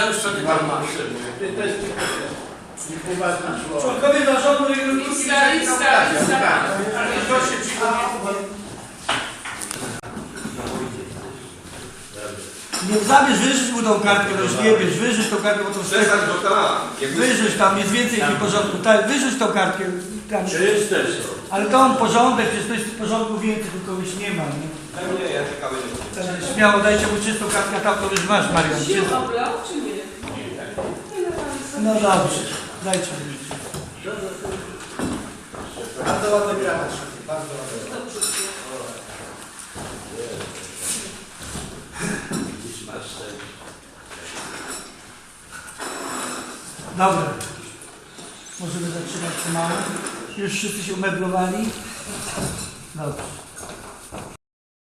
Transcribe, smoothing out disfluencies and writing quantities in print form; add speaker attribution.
Speaker 1: już sobie tam masz.
Speaker 2: Członkowie zarządu i
Speaker 1: Lista. Ale to się przypomina.
Speaker 2: nie zabierz, wyrzuć mu tą kartkę, to już nie bierz, wyrzuć tą kartkę, bo to
Speaker 3: Przestań, bo tam.
Speaker 2: wyrzuć tam, jest więcej w porządku, tak, wyrzuć tą kartkę. Tam. Ale to on porządek, przecież to jest w porządku więcej, tylko już nie ma, nie?
Speaker 3: Nie, ja ciekawy nie
Speaker 2: Także śmiało, dajcie mu czystą kartkę, tam to już masz, Marian.
Speaker 4: Się oblał, czy nie?
Speaker 2: No dobrze, dajcie mu.
Speaker 5: Bardzo ładny granat, bardzo ładny.
Speaker 2: Dobra. Możemy zaczynać pomału. Już wszyscy się umeblowali. Dobrze.